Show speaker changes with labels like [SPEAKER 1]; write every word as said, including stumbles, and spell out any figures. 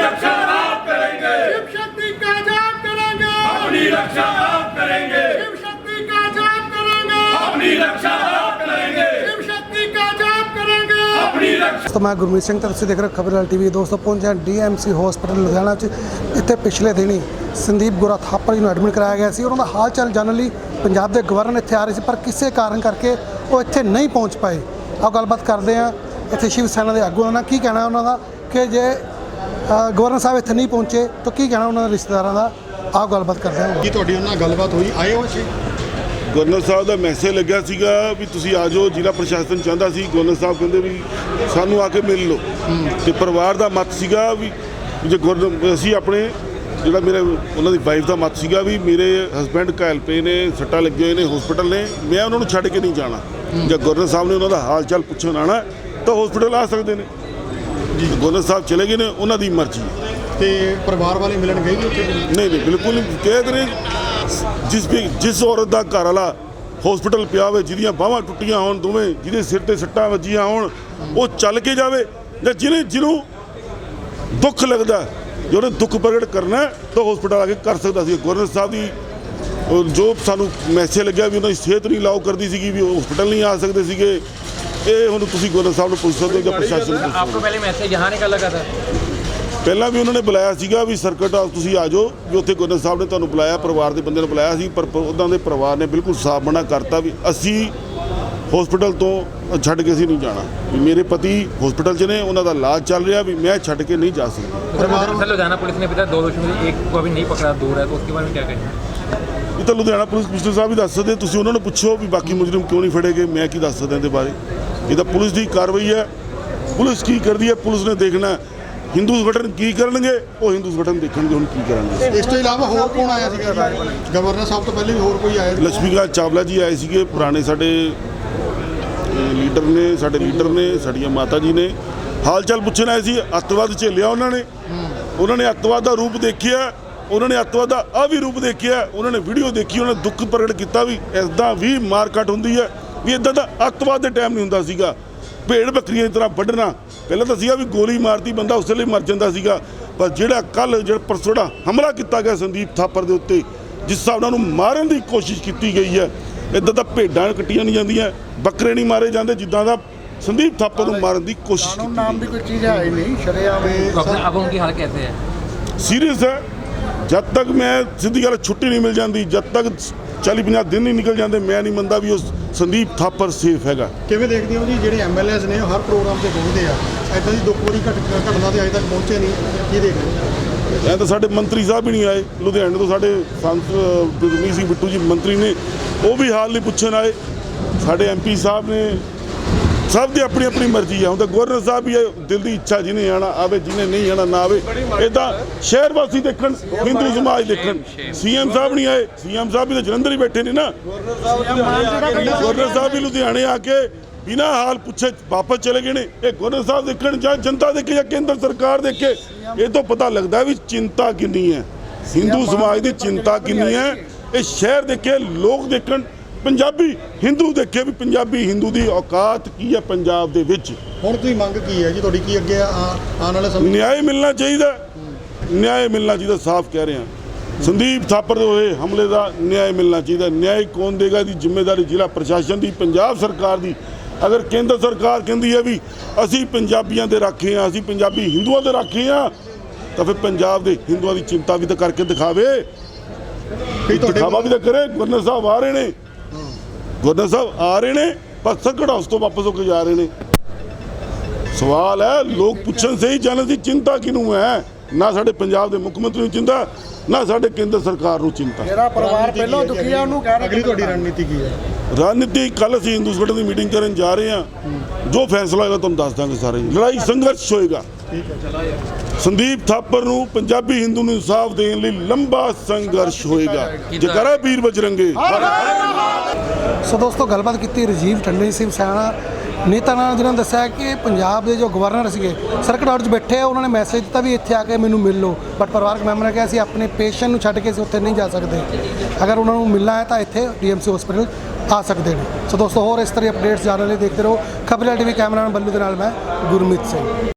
[SPEAKER 1] रक्षा आप करेंगे,
[SPEAKER 2] शिव शक्ति का जाप करेंगे,
[SPEAKER 1] अपनी रक्षा आप करेंगे,
[SPEAKER 2] शिव शक्ति का जाप करेंगे,
[SPEAKER 1] अपनी रक्षा आप करेंगे,
[SPEAKER 2] शिव शक्ति का जाप करेंगे,
[SPEAKER 1] अपनी रक्षा।
[SPEAKER 3] दोस्तों मैं गुरमीत सिंह तो तुसीं देख रहे हो खबरलाल टीवी। दोस्तों पहुंचे D M C hospital Ludhiana च इत्थे पिछले दिन ही संदीप गुरा थापर जी ਨੂੰ ਐਡਮਿਟ ਕਰਾਇਆ ਗਿਆ ਸੀ। ਉਹਨਾਂ ਦਾ ਹਾਲ ਚਾਲ ਜਾਣਨ ਲਈ ਪੰਜਾਬ ਦੇ ਗਵਰਨਰ ਇੱਥੇ ਆ ਰਹੇ ਸੀ, ਪਰ ਕਿਸੇ ਕਾਰਨ ਕਰਕੇ ਉਹ ਇੱਥੇ ਨਹੀਂ ਪਹੁੰਚ ਪਾਏ। ਆਓ ਗੱਲਬਾਤ ਕਰਦੇ ਹਾਂ ਇੱਥੇ ਸ਼ਿਵ ਸੈਨਾ ਦੇ ਆਗੂਆਂ ਨਾਲ, ਕੀ ਕਹਿਣਾ ਉਹਨਾਂ ਦਾ ਕਿ ਜੇ ਗਵਰਨਰ ਸਾਹਿਬ ਇੱਥੇ ਨਹੀਂ ਪਹੁੰਚੇ ਤਾਂ ਕੀ ਕਹਿਣਾ ਉਹਨਾਂ ਦੇ ਰਿਸ਼ਤੇਦਾਰਾਂ ਦਾ। ਆਓ ਗੱਲਬਾਤ ਕਰਦੇ ਹਾਂ।
[SPEAKER 4] ਕੀ ਤੁਹਾਡੀ ਉਹਨਾਂ ਨਾਲ ਗੱਲਬਾਤ ਹੋਈ, ਆਏ ਹੋ ਸੀ?
[SPEAKER 5] ਗਵਰਨਰ ਸਾਹਿਬ ਦਾ ਮੈਸੇਜ ਲੱਗਿਆ ਸੀਗਾ ਵੀ ਤੁਸੀਂ ਆ ਜਾਓ, ਜ਼ਿਲ੍ਹਾ ਪ੍ਰਸ਼ਾਸਨ ਚਾਹੁੰਦਾ ਸੀ। ਗਵਰਨਰ ਸਾਹਿਬ ਕਹਿੰਦੇ ਵੀ ਸਾਨੂੰ ਆ ਕੇ ਮਿਲ ਲਓ, ਤੇ ਪਰਿਵਾਰ ਦਾ ਮਤ ਸੀਗਾ ਵੀ ਜੇ ਗਵਰਨਰ ਅਸੀਂ ਆਪਣੇ ਜਿਹੜਾ ਮੇਰੇ ਉਹਨਾਂ ਦੀ ਵਾਈਫ ਦਾ ਮਤ ਸੀਗਾ ਵੀ ਮੇਰੇ ਹਸਬੈਂਡ ਘਾਇਲ ਪਏ ਨੇ, ਸੱਟਾਂ ਲੱਗੇ ਹੋਏ ਨੇ, ਹਸਪੀਟਲ ਨੇ, ਮੈਂ ਉਹਨਾਂ ਨੂੰ ਛੱਡ ਕੇ ਨਹੀਂ ਜਾਣਾ। ਜੇ ਗਵਰਨਰ ਸਾਹਿਬ ਨੇ ਉਹਨਾਂ ਦਾ ਹਾਲ ਚਾਲ ਪੁੱਛਣ ਆਉਣਾ ਤਾਂ ਹਸਪੀਟਲ ਆ ਸਕਦੇ ਨੇ ਜੀ। ਗਵਰਨਰ ਸਾਹਿਬ ਚਲੇ ਗਏ ਨੇ, ਉਹਨਾਂ ਦੀ ਮਰਜ਼ੀ।
[SPEAKER 4] ਤੇ ਪਰਿਵਾਰ ਵਾਲੇ ਮਿਲਣ ਗਏ ਜੀ ਉੱਥੇ?
[SPEAKER 5] ਨਹੀਂ ਨਹੀਂ ਬਿਲਕੁਲ ਨਹੀਂ। ਕਹਿ ਰਹੇ ਜਿਸ ਵੀ ਜਿਸ ਔਰਤ ਦਾ ਘਰ ਵਾਲਾ ਹਸਪੀਟਲ ਪਿਆ ਹੋਵੇ, ਜਿਹਦੀਆਂ ਬਾਹਾਂ ਟੁੱਟੀਆਂ ਹੋਣ ਦੋਵੇਂ, ਜਿਹਦੇ ਸਿਰ ਤੇ ਸੱਟਾਂ ਵੱਜੀਆਂ ਹੋਣ, ਉਹ ਚੱਲ ਕੇ ਜਾਵੇ। ਜਾਂ ਜਿਹਨੇ ਜਿਹਨੂੰ ਦੁੱਖ ਲੱਗਦਾ, ਜੇ ਉਹਨੇ ਦੁੱਖ ਪ੍ਰਗਟ ਕਰਨਾ ਤਾਂ ਹਸਪੀਟਲ ਆ ਕੇ ਕਰ ਸਕਦਾ ਸੀ। ਗਵਰਨਰ ਸਾਹਿਬ ਦੀ ਜੋ ਸਾਨੂੰ ਮੈਸੇਜ ਲੱਗਿਆ ਵੀ ਉਹਨਾਂ ਦੀ ਸਿਹਤ ਨਹੀਂ ਅਲਾਓ ਕਰਦੀ ਸੀਗੀ, ਵੀ ਉਹ ਹਸਪੀਟਲ ਨਹੀਂ ਆ ਸਕਦੇ ਸੀਗੇ। ਇਹ ਹੁਣ ਤੁਸੀਂ ਗਵਰਨਰ ਸਾਹਿਬ ਨੂੰ ਪੁੱਛ ਸਕਦੇ ਹੋ ਜਾਂ ਪ੍ਰਸ਼ਾਸਨ ਨੂੰ ਪੁੱਛ ਸਕਦੇ ਹੋ।
[SPEAKER 6] आपको पहले मैसेज यहाँ निकल लगा था?
[SPEAKER 5] ਪਹਿਲਾਂ ਵੀ ਉਹਨਾਂ ਨੇ ਬੁਲਾਇਆ ਸੀਗਾ ਵੀ ਸਰਕਟ ਹਾਊਸ ਤੁਸੀਂ ਆ ਜਾਓ, ਵੀ ਉੱਥੇ ਗਵਰਨਰ ਸਾਹਿਬ ਨੇ ਤੁਹਾਨੂੰ ਬੁਲਾਇਆ, ਪਰਿਵਾਰ ਦੇ ਬੰਦੇ ਨੂੰ ਬੁਲਾਇਆ ਸੀ, ਪਰ ਉਹਨਾਂ ਦੇ ਪਰਿਵਾਰ ਨੇ ਬਿਲਕੁਲ ਸਾਫ਼ ਮਨਾ ਕਰਤਾ ਵੀ ਅਸੀਂ ਹਸਪੀਟਲ ਤੋਂ ਛੱਡ ਕੇ ਅਸੀਂ ਨਹੀਂ ਜਾਣਾ। ਵੀ ਮੇਰੇ ਪਤੀ ਹਸਪੀਟਲ 'ਚ ਨੇ, ਉਹਨਾਂ ਦਾ ਇਲਾਜ ਚੱਲ ਰਿਹਾ, ਵੀ ਮੈਂ ਛੱਡ ਕੇ ਨਹੀਂ ਜਾ ਸਕਦਾ।
[SPEAKER 6] सर लुधियाना पुलिस ने बताया दो दोषियों में से एक को अभी नहीं पकड़ा, दूर है, तो उसके बारे में क्या कहेंगे?
[SPEAKER 5] ਇਹ ਤਾਂ ਲੁਧਿਆਣਾ ਪੁਲਿਸ ਕਮਿਸ਼ਨਰ ਸਾਹਿਬ ਹੀ ਦੱਸ ਸਕਦੇ, ਤੁਸੀਂ ਉਹਨਾਂ ਨੂੰ ਪੁੱਛੋ ਵੀ ਬਾਕੀ ਮੁਜਰਮ ਕਿਉਂ ਨਹੀਂ ਫੜੇ ਗਏ। ਮੈਂ ਕੀ ਦੱਸ ਸਕਦਾ ਇਹਦੇ ਬਾਰੇ। ਇਹ ਤਾਂ ਪੁਲਿਸ ਦੀ ਕਾਰਵਾਈ ਹੈ, ਪੁਲਿਸ ਕੀ ਕਰਦੀ ਹੈ ਪੁਲਿਸ ਨੇ ਦੇਖਣਾ। ਹਿੰਦੂ ਸੰਗਠਨ ਕੀ ਕਰਨਗੇ, ਉਹ ਹਿੰਦੂ ਸੰਗਠਨ ਦੇਖਣਗੇ ਹੁਣ ਕੀ ਕਰਨਗੇ।
[SPEAKER 4] ਇਸ ਤੋਂ ਇਲਾਵਾ ਹੋਰ ਕੌਣ ਆਇਆ ਸੀਗਾ? ਗਵਰਨਰ ਸਾਹਿਬ ਤੋਂ ਪਹਿਲੇ ਵੀ ਹੋਰ ਕੋਈ ਆਇਆ?
[SPEAKER 5] ਲక్ష్ਮੀਕਾਂਤ ਚਾਵਲਾ ਜੀ ਆਏ ਸੀਗੇ, ਪੁਰਾਣੇ ਸਾਡੇ ਲੀਡਰ ਨੇ, ਸਾਡੇ ਲੀਡਰ ਨੇ, ਸਾਡੀਆਂ ਮਾਤਾ ਜੀ ਨੇ। ਹਾਲ ਚਾਲ ਪੁੱਛਣ ਆਏ ਸੀ। ਅੱਤਵਾਦ ਝੇਲਿਆ ਉਹਨਾਂ ਨੇ, ਉਹਨਾਂ ਨੇ ਅੱਤਵਾਦ ਦਾ ਰੂਪ ਦੇਖਿਆ, ਉਹਨਾਂ ਨੇ ਅੱਤਵਾਦ ਦਾ ਆ ਵੀ ਰੂਪ ਦੇਖਿਆ, ਉਹਨਾਂ ਨੇ ਵੀਡੀਓ ਦੇਖੀ, ਉਹਨਾਂ ਨੇ ਦੁੱਖ ਪ੍ਰਗਟ ਕੀਤਾ ਵੀ ਇੱਦਾਂ ਵੀ ਮਾਰਕਟ ਹੁੰਦੀ ਹੈ, ਵੀ ਇੱਦਾਂ ਦਾ ਅੱਤਵਾਦ ਦੇ ਟਾਈਮ ਨਹੀਂ ਹੁੰਦਾ ਸੀਗਾ। ਭੇਡ ਬੱਕਰੀਆਂ ਦੀ ਤਰ੍ਹਾਂ ਵੱਢਣਾ, ਪਹਿਲਾਂ ਤਾਂ ਸੀਗਾ ਵੀ ਗੋਲੀ ਮਾਰਤੀ ਬੰਦਾ ਉਸੇ ਲਈ ਮਰ ਜਾਂਦਾ ਸੀਗਾ, ਪਰ ਜਿਹੜਾ ਕੱਲ੍ਹ ਜਿਹੜਾ ਪਰਸੋਂ ਜਿਹੜਾ ਹਮਲਾ ਕੀਤਾ ਗਿਆ ਸੰਦੀਪ ਥਾਪਰ ਦੇ ਉੱਤੇ, ਜਿਸ ਹਿਸਾਬ ਨਾਲ ਉਹਨੂੰ ਮਾਰਨ ਦੀ ਕੋਸ਼ਿਸ਼ ਕੀਤੀ ਗਈ ਹੈ, ਇੱਦਾਂ ਤਾਂ ਭੇਡਾਂ ਕੱਟੀਆਂ ਨਹੀਂ ਜਾਂਦੀਆਂ, ਬੱਕਰੇ ਨਹੀਂ ਮਾਰੇ ਜਾਂਦੇ ਜਿੱਦਾਂ ਦਾ ਸੰਦੀਪ ਥਾਪਰ ਨੂੰ ਮਾਰਨ ਦੀ ਕੋਸ਼ਿਸ਼ ਕੀਤੀ।
[SPEAKER 2] नाम भी कोई चीज़ है ही नहीं, शरेआम
[SPEAKER 6] तो अपने अब उनकी हालत कैसे है?
[SPEAKER 5] ਸੀਰੀਅਸ ਹੈ। ਜਦ ਤੱਕ ਮੈਂ ਸਿੱਧੀ ਗੱਲ ਛੁੱਟੀ ਨਹੀਂ ਮਿਲ ਜਾਂਦੀ, ਜਦ ਤੱਕ ਚਾਲੀ ਪੰਜਾਹ ਦਿਨ ਨਹੀਂ ਨਿਕਲ ਜਾਂਦੇ, ਮੈਂ ਨਹੀਂ ਮੰਨਦਾ ਵੀ ਉਹ ਸੰਦੀਪ ਥਾਪਰ ਸੇਫ ਹੈਗਾ।
[SPEAKER 4] ਕਿਵੇਂ ਦੇਖਦੇ ਹੋ ਜੀ ਜਿਹੜੇ ਐਮ ਐਲ ਏਜ਼ ਨੇ ਉਹ ਹਰ ਪ੍ਰੋਗਰਾਮ ਤੇ ਪਹੁੰਚਦੇ ਆ, ਇੱਦਾਂ ਦੀ ਦੁੱਖ ਵਾਲੀ ਘਟ ਘਟਨਾ ਤੇ ਅਜੇ ਤੱਕ ਪਹੁੰਚੇ ਨਹੀਂ, ਕੀ ਦੇਖਦੇ ਹੋ?
[SPEAKER 5] ਐਂ ਤਾਂ ਸਾਡੇ ਮੰਤਰੀ ਸਾਹਿਬ ਹੀ ਨਹੀਂ ਆਏ ਲੁਧਿਆਣੇ ਤੋਂ, ਸਾਡੇ ਸੰਤ ਗੁਰਮੀਤ ਸਿੰਘ ਬਿੱਟੂ ਜੀ ਮੰਤਰੀ ਨੇ, ਉਹ ਵੀ ਹਾਲ ਨਹੀਂ ਪੁੱਛਣ ਆਏ। ਸਾਡੇ ਐਮ ਪੀ ਸਾਹਿਬ ਨੇ, ਸਭ ਦੀ ਆਪਣੀ ਆਪਣੀ ਮਰਜ਼ੀ ਆ। ਹੁਣ ਤਾਂ ਗਵਰਨਰ ਸਾਹਿਬ ਵੀ ਦਿਲ ਦੀ ਇੱਛਾ, ਜਿਹਨੇ ਆਣਾ ਆਵੇ, ਜਿਹਨੇ ਨਹੀਂ ਆਣਾ ਨਾ ਆਵੇ। ਇੱਦਾਂ ਸ਼ਹਿਰ ਵਾਸੀ ਦੇਖਣ, ਹਿੰਦੂ ਸਮਾਜ ਦੇਖਣ। ਸੀ ਐਮ ਸਾਹਿਬ ਨਹੀਂ ਆਏ, ਸੀ ਐਮ ਸਾਹਿਬ ਵੀ ਤਾਂ ਜਲੰਧਰ ਹੀ ਬੈਠੇ ਨੇ ਨਾ। ਗਵਰਨਰ ਸਾਹਿਬ ਵੀ ਲੁਧਿਆਣੇ ਆ ਕੇ ਬਿਨਾਂ ਹਾਲ ਪੁੱਛੇ ਵਾਪਸ ਚਲੇ ਗਏ ਨੇ। ਇਹ ਗਵਰਨਰ ਸਾਹਿਬ ਦੇਖਣ ਜਾਂ ਜਨਤਾ ਦੇਖੇ ਜਾਂ ਕੇਂਦਰ ਸਰਕਾਰ ਦੇਖੇ, ਇਹ ਤੋਂ ਪਤਾ ਲੱਗਦਾ ਵੀ ਚਿੰਤਾ ਕਿੰਨੀ ਹੈ, ਹਿੰਦੂ ਸਮਾਜ ਦੀ ਚਿੰਤਾ ਕਿੰਨੀ ਹੈ। ਇਹ ਸ਼ਹਿਰ ਦੇਖੇ, ਲੋਕ ਦੇਖਣ, ਪੰਜਾਬੀ ਹਿੰਦੂ ਦੇਖੇ ਵੀ ਪੰਜਾਬੀ ਹਿੰਦੂ ਦੀ ਔਕਾਤ ਕੀ ਹੈ ਪੰਜਾਬ ਦੇ ਵਿੱਚ।
[SPEAKER 4] ਹੁਣ ਤੁਸੀਂ ਮੰਗ ਕੀ ਹੈ ਜੀ ਤੁਹਾਡੀ, ਕੀ ਅੱਗੇ ਆਉਣ ਵਾਲੇ ਸਮੇਂ?
[SPEAKER 5] ਨਿਆਂ ਮਿਲਣਾ ਚਾਹੀਦਾ, ਨਿਆਂ ਮਿਲਣਾ ਚਾਹੀਦਾ, ਸਾਫ਼ ਕਹਿ ਰਹੇ ਹਾਂ। ਸੰਦੀਪ ਥਾਪਰ ਦੇ ਹੋਏ ਹਮਲੇ ਦਾ ਨਿਆਂ ਮਿਲਣਾ ਚਾਹੀਦਾ। ਨਿਆਂ ਕੌਣ ਦੇਗਾ? ਦੀ ਜ਼ਿੰਮੇਵਾਰੀ ਜ਼ਿਲ੍ਹਾ ਪ੍ਰਸ਼ਾਸਨ ਦੀ, ਪੰਜਾਬ ਸਰਕਾਰ ਦੀ। ਅਗਰ ਕੇਂਦਰ ਸਰਕਾਰ ਕਹਿੰਦੀ ਹੈ ਵੀ ਅਸੀਂ ਪੰਜਾਬੀਆਂ ਦੇ ਰਾਖੇ ਹਾਂ, ਅਸੀਂ ਪੰਜਾਬੀ ਹਿੰਦੂਆਂ ਦੇ ਰਾਖੇ ਹਾਂ, ਤਾਂ ਫਿਰ ਪੰਜਾਬ ਦੇ ਹਿੰਦੂਆਂ ਦੀ ਚਿੰਤਾ ਵੀ ਤਾਂ ਕਰਕੇ ਦਿਖਾਵੇ, ਦਿਖਾਵਾ ਵੀ ਤਾਂ ਕਰੇ। ਗਵਰਨਰ ਸਾਹਿਬ ਆ ਰਹੇ ਨੇ, ਗਵਰਨਰ ਸਾਹਿਬ ਆ ਰਹੇ ਨੇ, ਪਰ ਸੰਕਟ ਹਾਊਸ ਤੋਂ ਵਾਪਸ ਹੋ ਕੇ ਜਾ ਰਹੇ ਨੇ। ਸਵਾਲ ਹੈ, ਲੋਕ ਪੁੱਛਣ ਸਹੀ ਜਾਣਨ ਦੀ ਚਿੰਤਾ ਕਿਹਨੂੰ ਹੈ? ਨਾ ਸਾਡੇ ਪੰਜਾਬ ਦੇ ਮੁੱਖ ਮੰਤਰੀ ਨੂੰ ਚਿੰਤਾ, ਨਾ ਸਾਡੇ ਕੇਂਦਰ ਸਰਕਾਰ ਨੂੰ ਚਿੰਤਾ।
[SPEAKER 2] मेरा परिवार पहले दुखी है, ਉਹਨੂੰ ਕਹਿ ਰਹੇ
[SPEAKER 4] ਅਗਲੀ ਤੁਹਾਡੀ ਰਣਨੀਤੀ ਕੀ ਹੈ?
[SPEAKER 5] ਰਣਨੀਤੀ ਕੱਲ੍ਹ ਅਸੀਂ ਹਿੰਦੂ ਸੰਗਠਨ ਦੀ ਮੀਟਿੰਗ ਕਰਨ ਜਾ ਰਹੇ ਹਾਂ, ਜੋ ਫੈਸਲਾ ਹੋਏਗਾ ਤੁਹਾਨੂੰ ਦੱਸ ਦਾਂਗੇ। ਸਾਰੇ ਲੜਾਈ ਸੰਘਰਸ਼ ਹੋਏਗਾ। ਸੰਦੀਪ ਥਾਪਰ ਨੂੰ, ਪੰਜਾਬੀ ਹਿੰਦੂ ਨੂੰ ਇਨਸਾਫ ਦੇਣ ਲਈ ਲੰਬਾ ਸੰਘਰਸ਼ ਹੋਏਗਾ। ਜੈਕਾਰਾ ਵੀਰ ਬਜਰੰਗੇ।
[SPEAKER 3] ਸੋ ਦੋਸਤੋ ਗੱਲਬਾਤ ਕੀਤੀ ਰਾਜੀਵ ਟੰਡਨ ਸ਼ਿਵ ਸੈਨਾ ਨੇਤਾ ਨਾਲ, ਜਿਨ੍ਹਾਂ ਨੇ ਦੱਸਿਆ ਕਿ ਪੰਜਾਬ ਦੇ ਜੋ ਗਵਰਨਰ ਸੀਗੇ ਸਰਕਟ ਹਾਊਸ 'ਚ ਬੈਠੇ, ਉਹਨਾਂ ਨੇ ਮੈਸੇਜ ਦਿੱਤਾ ਵੀ ਇੱਥੇ ਆ ਕੇ ਮੈਨੂੰ ਮਿਲ ਲਓ, ਬਟ ਪਰਿਵਾਰਕ ਮੈਂਬਰ ਨੇ ਕਿਹਾ ਅਸੀਂ ਆਪਣੇ ਪੇਸ਼ੈਂਟ ਨੂੰ ਛੱਡ ਕੇ ਅਸੀਂ ਉੱਥੇ ਨਹੀਂ ਜਾ ਸਕਦੇ। ਅਗਰ ਉਹਨਾਂ ਨੂੰ ਮਿਲਣਾ ਹੈ ਤਾਂ ਇੱਥੇ ਡੀ ਐਮ ਸੀ ਹਸਪੀਟਲ ਆ ਸਕਦੇ ਨੇ। ਸੋ ਦੋਸਤੋ ਹੋਰ ਇਸ ਤਰ੍ਹਾਂ ਅਪਡੇਟਸ ਜਾਣਨ ਲਈ ਦੇਖਦੇ ਰਹੋ ਖਬਰਲਾਲ ਟੀਵੀ। ਕੈਮਰਾਮੈਨ ਬੱਲੂ ਦੇ ਨਾਲ ਮੈਂ ਗੁਰਮੀਤ ਸਿੰਘ।